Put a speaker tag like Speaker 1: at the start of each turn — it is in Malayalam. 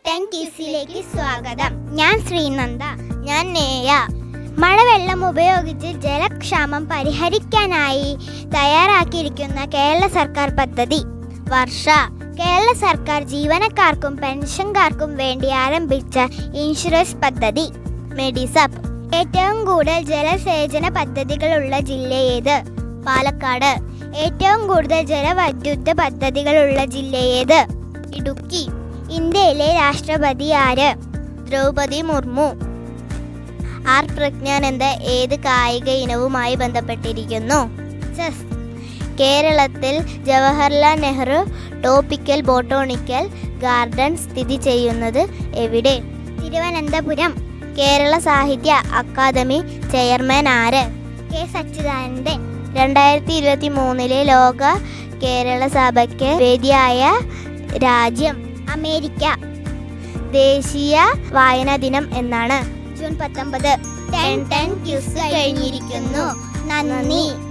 Speaker 1: 10 കിസിലേക്ക് സ്വാഗതം. ഞാൻ ശ്രീനന്ദ. ഞാൻ നേയ. മഴവെള്ളം ഉപയോഗിച്ച് ജലക്ഷാമം പരിഹരിക്കാനായി തയ്യാറാക്കിയിരിക്കുന്ന കേരള സർക്കാർ പദ്ധതി വർഷ. കേരള സർക്കാർ ജീവനക്കാർക്കും പെൻഷൻകാർക്കും വേണ്ടി ആരംഭിച്ച ഇൻഷുറൻസ് പദ്ധതി മെഡിസപ്പ്. ഏറ്റവും കൂടുതൽ ജലസേചന പദ്ധതികളുള്ള ജില്ല ഏത്? പാലക്കാട്. ഏറ്റവും കൂടുതൽ ജലവൈദ്യുത പദ്ധതികളുള്ള ജില്ല ഏത്? ഇടുക്കി. ഇന്ത്യയിലെ രാഷ്ട്രപതി ആര്? ദ്രൗപദി മുർമു. ആർ പ്രജ്ഞാനന്ദ ഏത് കായിക ഇനവുമായി ബന്ധപ്പെട്ടിരിക്കുന്നു? ചെസ്. കേരളത്തിൽ Jawaharlal Nehru tropical botanical garden സ്ഥിതി ചെയ്യുന്നത് എവിടെ? തിരുവനന്തപുരം. കേരള സാഹിത്യ അക്കാദമി ചെയർമാൻ ആര്? കെ സച്ചിദാനന്ദൻ. 2023 ലോക കേരള സഭയ്ക്ക് വേദിയായ രാജ്യം അമേരിക്ക. ദേശീയ വായനാ ദിനം എന്നാണ്? ജൂൺ 19. 10 ക്യൂസ് കഴിഞ്ഞിരിക്കുന്നു. നന്ദി.